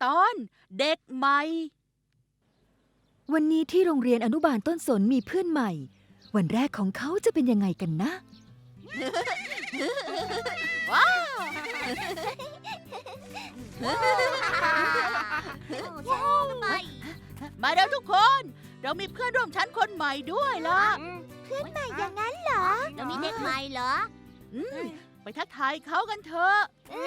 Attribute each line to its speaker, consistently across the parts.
Speaker 1: ตอนเด็กใหม่
Speaker 2: วันนี้ที่โรงเรียนอนุบาลต้นสนมีเพื่อนใหม่วันแรกของเขาจะเป็นยังไงกันนะ
Speaker 1: ว้าวมาแล้วทุกคนเรามีเพื่อนร่วมชั้นคนใหม่ด้วยล่ะ
Speaker 3: เพื่อนใหม่อย่างนั้นเหรอเรามีเด็กใหม่เหรอ
Speaker 1: ไปทักทายเขากันเถอะ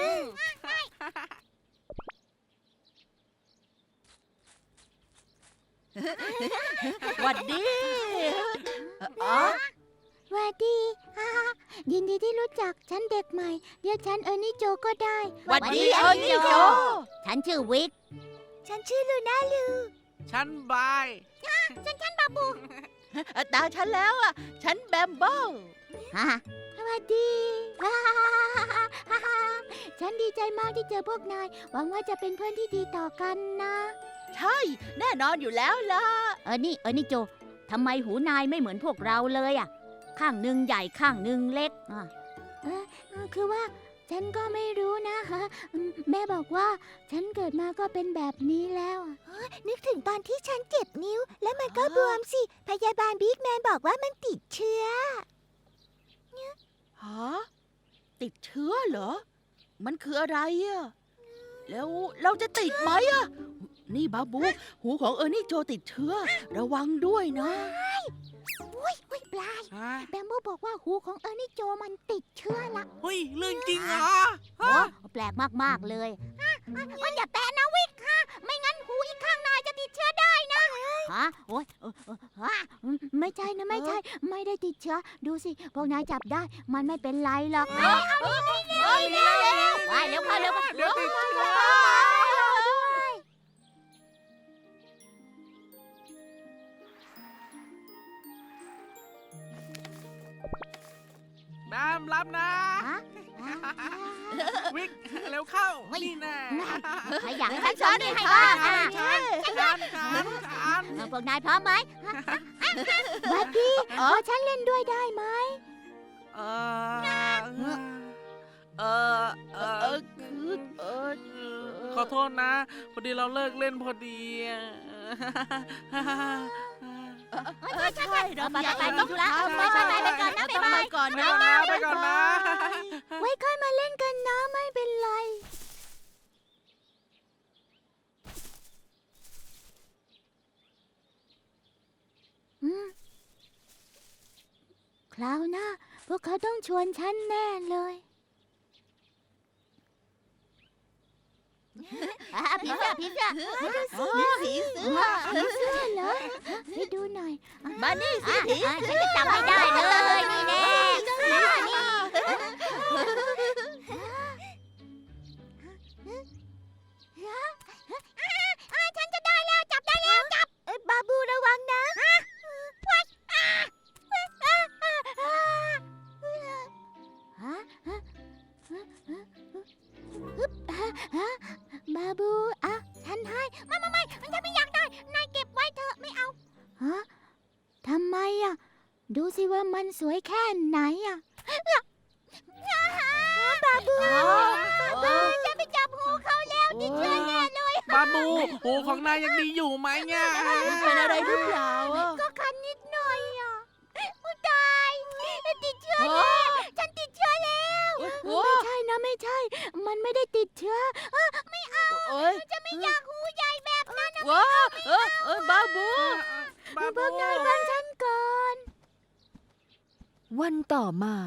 Speaker 1: หวัดดีอ๋อ
Speaker 3: สวัสดียินดีที่รู้จักฉันเด็กใหม่เรียกฉันเออร์นี่โจก็ได้
Speaker 1: หวัดดีเออร์นี่โจ
Speaker 3: ฉันชื่อวิกฉันชื่อลูน่าลู
Speaker 4: ฉันบาย
Speaker 3: ฉันบาบู
Speaker 1: ตาฉันแล้วอ่ะฉันแบมเบิล
Speaker 3: สวัสดีฉันดีใจมากที่เจอพวกนายหวังว่าจะเป็นเพื่อนที่ดีต่อกันนะ
Speaker 1: ใช่แน่นอนอยู่แล้วล่ะ
Speaker 3: เออนี่โจทำไมหูนายไม่เหมือนพวกเราเลยอ่ะข้างหนึ่งใหญ่ข้างหนึ่งเล็กคือว่าฉันก็ไม่รู้นะแม่บอกว่าฉันเกิดมาก็เป็นแบบนี้แล้วนึกถึงตอนที่ฉันเจ็บนิ้วแล้วมันก็บวมสิพยาบาลบิ๊กแมนบอกว่ามันติดเชื้อ
Speaker 1: ฮะติดเชื้อเหรอมันคืออะไรอ่ะแล้วเราจะติดไหมอ่ะนี่บาบูหูของเออร์นี่โจติดเชื้อระวังด้วยนะ
Speaker 3: อุ้ยปลายแบมโบบอกว่าหูของเออร์นี่โจมันติดเชื้อละ
Speaker 4: เฮ้ยเรื่องจริงเหรอ
Speaker 3: โอ้แปลกมากๆเลยมันอย่าแตะนะวิกค่ะไม่งั้นหูอีกข้างนายจะติดเชื้อได้นะโอ้ยไม่ใช่นะไม่ใช่ ไม่ได้ติดเชื้อดูสิพวกนายจับได้มันไม่เป็นไรหรอกเอาเร็วไปเร็วเข้าเร็ว
Speaker 4: เดี๋ยวติดเชื้อแบมรับนะ วิกเร็วเข้า นี่แน่
Speaker 3: ใครอยากให้ฉันนี่ให้บ้าง
Speaker 4: ฉัน
Speaker 3: พวกนายพร้อมไหมบัดดี้ขอฉันเล่นด้วยได้ไหม
Speaker 4: เอขอโทษนะ พอดีเราเลิกเล่นพอดี
Speaker 1: ใช่เราอยาก
Speaker 3: ไป
Speaker 1: ต้อง
Speaker 3: ธุระไปก่อนนะ
Speaker 1: ต้องไปก่อนนะ
Speaker 4: ไปก่อนนะ
Speaker 3: ไว้ค่อยมาเล่นกันนะไม่เป็นไรคราวหน้าพวกเขาต้องชวนฉันแน่เลยผีเสื้อผีเสื้อเหรอให้ดูหน่อย
Speaker 1: มานี่สิผี
Speaker 3: ฉันจะจับให้ได้เลยนี่แน่ฉันจะได้แล้วจับได้แล้วจับบาบูระวังนะบาบูฉันให้ไม่ฉันไม่อยากได้นายเก็บไว้เถอะไม่เอาทำไมดูสิว่ามันสวยแค่ไหนบาบูจะไปจับหูเขาแล้วติดเชื้อแน่เลย
Speaker 4: บาบูหูของนายยังดีอยู่ไหมเนี่ย
Speaker 1: เป็นอะไรหรือเปล่าอ่ะ
Speaker 3: ก็คันนิดหน่อยตายติดเชื้อแน่ฉันติดเชื้อแล้วไม่ใช่นะไม่ใช่ มันไม่ได้ติดเชื้อไม่เอาจะไม่อยากหูใหญ่แบบนั้นนะ
Speaker 1: ว้าบาบู
Speaker 3: พวกนายฟังฉันก่อน
Speaker 2: วันต่อมา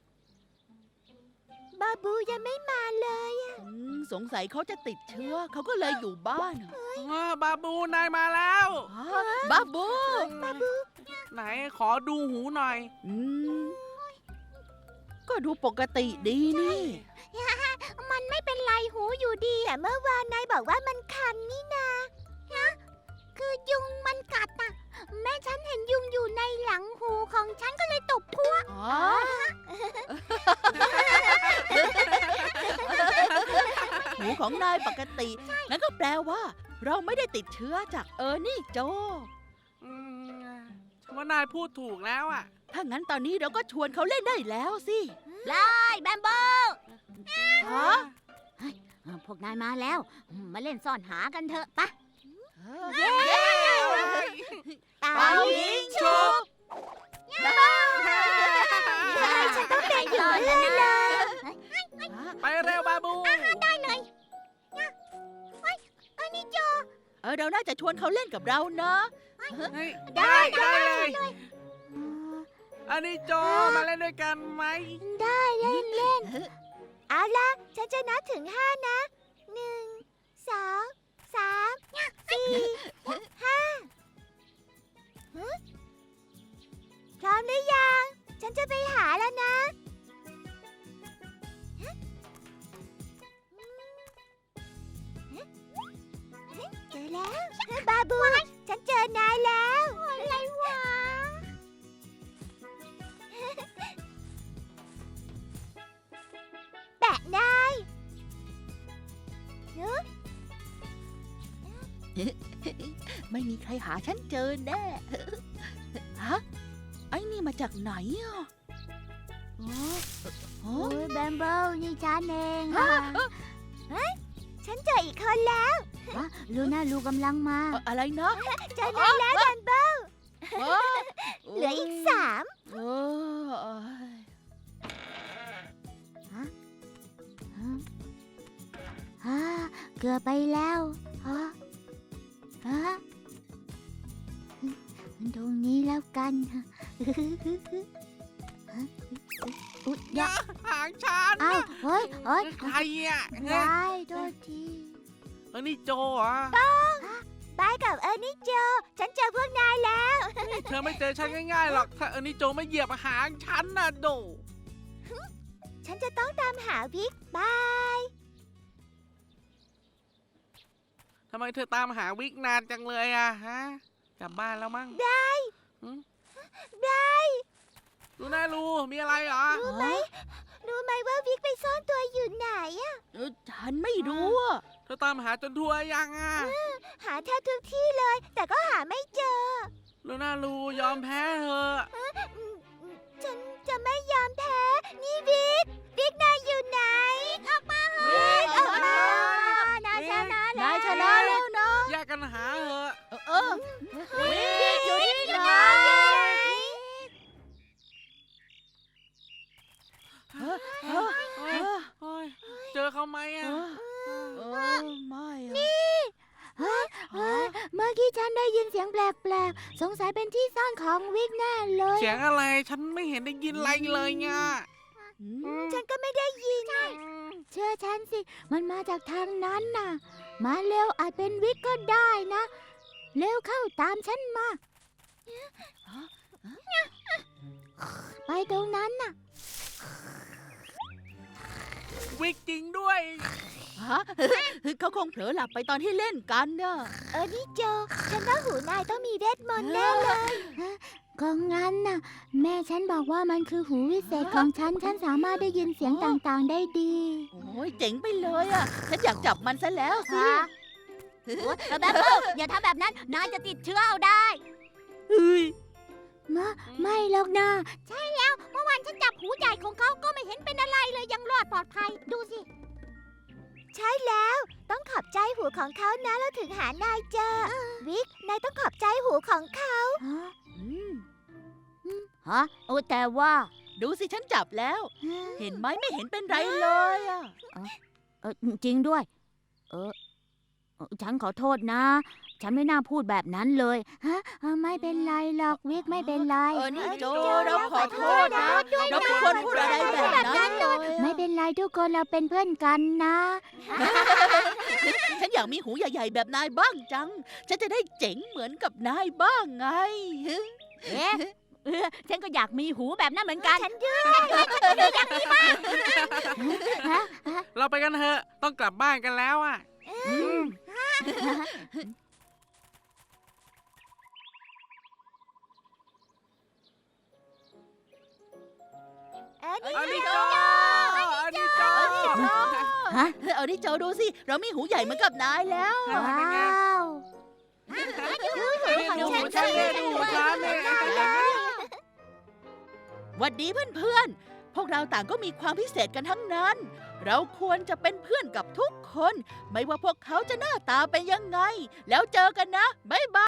Speaker 3: บาบูยังไม่มาเลย
Speaker 1: สงสัยเขาจะติดเชื้อเขาก็เลยอยู่บ้าน
Speaker 4: บาบูนายมาแล้ว
Speaker 1: บาบู
Speaker 4: ไหนขอดูหูหน่อย
Speaker 1: ก็ดูปกติดีนี่
Speaker 3: มันไม่เป็นไรหูอยู่ดีแต่เมื่อวานนายบอกว่ามันคันนี่นาคือยุงมันกัดแม่ฉันเห็นยุงอยู่ในหลังหูของฉันก็เลยตบพัว
Speaker 1: หูของนายปกติงั้นก็แปลว่า เราไม่ได้ติดเชื้อจากเออร์นี่โจ
Speaker 4: ฉันว่านายพูดถูกแล้วอ่ะ
Speaker 1: ถ้างั้นตอนนี้เราก็ชวนเขาเล่นได้แล้วสิ
Speaker 3: ไล่แบมโบ้
Speaker 1: ฮะ
Speaker 3: พวกนายมาแล้ว มาเล่นซ่อนหากันเถอะปะ
Speaker 1: เย้
Speaker 3: เป่า
Speaker 1: เป่ายิงฉุบ
Speaker 3: ฉันต้องเป็นอยู่แล้วนะ
Speaker 4: ไปเร็วบาบู
Speaker 1: เราน่าจะชวนเขาเล่นกับเรานะ
Speaker 4: เฮ้ยได้เลยอันนี้โจมาเล่นด้วยกันไหม
Speaker 3: ได้เล่นเล่น
Speaker 5: เอาล่ะ ฉันจะนับถึง5 นะ 1 2 3 4 5พร้อมหรือยัง ฉันจะไปหาแล้วนะ เจอแล้วบาบู ฉันเจอนายแล้ว อะไรวะ แปะนาย
Speaker 1: ไม่มีใครหาฉันเจอแน่ ฮะ ไอ้นี่มาจากไหนอ่ะอ๋อ
Speaker 3: โอ้ยแบมเบิลนี่ฉันเองค่ะ
Speaker 5: ฉันเจออีกคนแล้ว
Speaker 3: ลูน่าลูกำลังมา
Speaker 1: อะไรนะ
Speaker 5: เจอนายแล้วดันเบิล
Speaker 1: เออ
Speaker 5: เหลืออีก3
Speaker 1: เออ
Speaker 3: เกือบไปแล้วตรงนี้แล้วกันอุ๊ย
Speaker 4: อย่าหางฉัน
Speaker 3: เอ้าเฮ้ย
Speaker 4: ใครอ่ะ
Speaker 3: ได้โทษที
Speaker 4: อันนี้โจเหรอ่ะ
Speaker 5: บายกับนี่โจ ฉันเจอพวกนายแล้ว
Speaker 4: เธอไม่เจอฉันง่ายๆหรอกถ้าอันนี้โจไม่เหยียบหางฉันน่ะโด
Speaker 5: ฉันจะต้องตามหาวิกบาย
Speaker 4: ทำไมเธอตามหาวิกนานจังเลยอ่ะฮะกลับบ้านแล้วมั้ง
Speaker 5: ได้
Speaker 4: ดูน่ารู้มีอะไรเหรอ
Speaker 5: รู้ไหมว่าวิกไปซ่อนตัวอยู่ไหนอะ
Speaker 1: ฉันไม่รู้อะ
Speaker 4: เธอตามหาจนทั่วยังอ่ะ
Speaker 5: หาแทบทุกที่เลย แต่ก็หาไม่เจอ
Speaker 4: ดูน่ารู้ยอมแพ้เถอะ
Speaker 5: ฉันจะไม่ยอมแพ้ นี่วิกนายอยู่ไหน ออกมาเฮ้ยออกมา
Speaker 3: นายชนะแล้ว
Speaker 1: นายชนะแล้วนะ
Speaker 4: แยกกันหาเถอะ
Speaker 1: เออ
Speaker 5: วิกอยู่ที่ไหน
Speaker 1: เออ
Speaker 4: โอ้ยเจอเขาไหมอ่ะ
Speaker 1: ไม่อะ
Speaker 3: เมื่อกี้ฉันได้ยินเสียงแปลกๆ สงสัยเป็นที่ซ่อนของวิกแน่เลย
Speaker 4: เสียงอะไรฉันไม่เห็นได้ยินอะไรเลยไง
Speaker 5: ฉันก็ไม่ได้ยิน
Speaker 3: เชื่อฉันสิ มันมาจากทางนั้นน่ะ มาเร็วอาจเป็นวิกก็ได้นะ เร็วเข้าตามฉันมา ไปตรงนั้นน่ะ
Speaker 4: วิกจริงด้วย
Speaker 1: ฮะเขาคงเผลอหลับไปตอนที่เล่นกันเนอะ
Speaker 5: นี่โจ ฉันว่าหูนายต้องมีเวทมนต์แน่เลย
Speaker 3: ก็งั้นน่ะ แม่ฉันบอกว่ามันคือหูวิเศษของฉัน ฉันสามารถได้ยินเสียงต่างๆได้ดี
Speaker 1: โอ้ยเจ๋งไปเลยอะฉันอยากจับมันซะแล้วสิ
Speaker 3: แบบอย่าทำแบบนั้น นายจะติดเชื้อเอาได้
Speaker 1: เฮ้ย
Speaker 3: ไม่หรอกนะใช่แล้ว เมื่อวานฉันจับหูใหญ่ของเขาก็ไม่เห็นเป็นอะไรเลยยังรอดปลอดภัย ดูสิ
Speaker 5: ใช่แล้ว ต้องขอบใจหูของเขานะเราถึงหานายเจอ วิก นายต้องขอบใจหูของเขา
Speaker 3: ฮะโอ้แต่ว่า
Speaker 1: ดูสิฉันจับแล้ว เห็นไหมไม่เห็นเป็นไรเลยอะ
Speaker 3: จริงด้วย ฉันขอโทษนะ ฉันไม่น่าพูดแบบนั้นเลยฮะไม่เป็นไรหรอกวิกไม่เป็นไร
Speaker 1: นี่โจเราขอโทษนะ เราไม่ควรพูดอะไรแบบนั้นเลย
Speaker 3: ไม่เป็นไรทุกคนเราเป็นเพื่อนกันนะ
Speaker 1: ฉันอยากมีหูใหญ่ๆแบบนายบ้างจัง ฉันจะได้เจ๋งเหมือนกับนายบ้างไง
Speaker 3: เอ๊ะฉันก็อยากมีหูแบบนั้นเหมือนกัน
Speaker 5: ฉันด้วย
Speaker 4: เราไปกันเถอะ ต้องกลับบ้านกันแล้วอ่ะ อันนี้โจอันนี้โจ
Speaker 3: ฮะ
Speaker 1: เอาดิโจดูสิ เรามีหูใหญ่เหมือนกับนายแล้ว
Speaker 3: ว้าว
Speaker 4: ดูหูฉันเลยดูหูฉันเลย
Speaker 1: หวัดดีเพื่อนๆ พวกเราต่างก็มีความพิเศษกันทั้งนั้นเราควรจะเป็นเพื่อนกับทุกคน ไม่ว่าพวกเขาจะหน้าตาเป็นยังไง แล้วเจอกันนะ บ๊ายบาย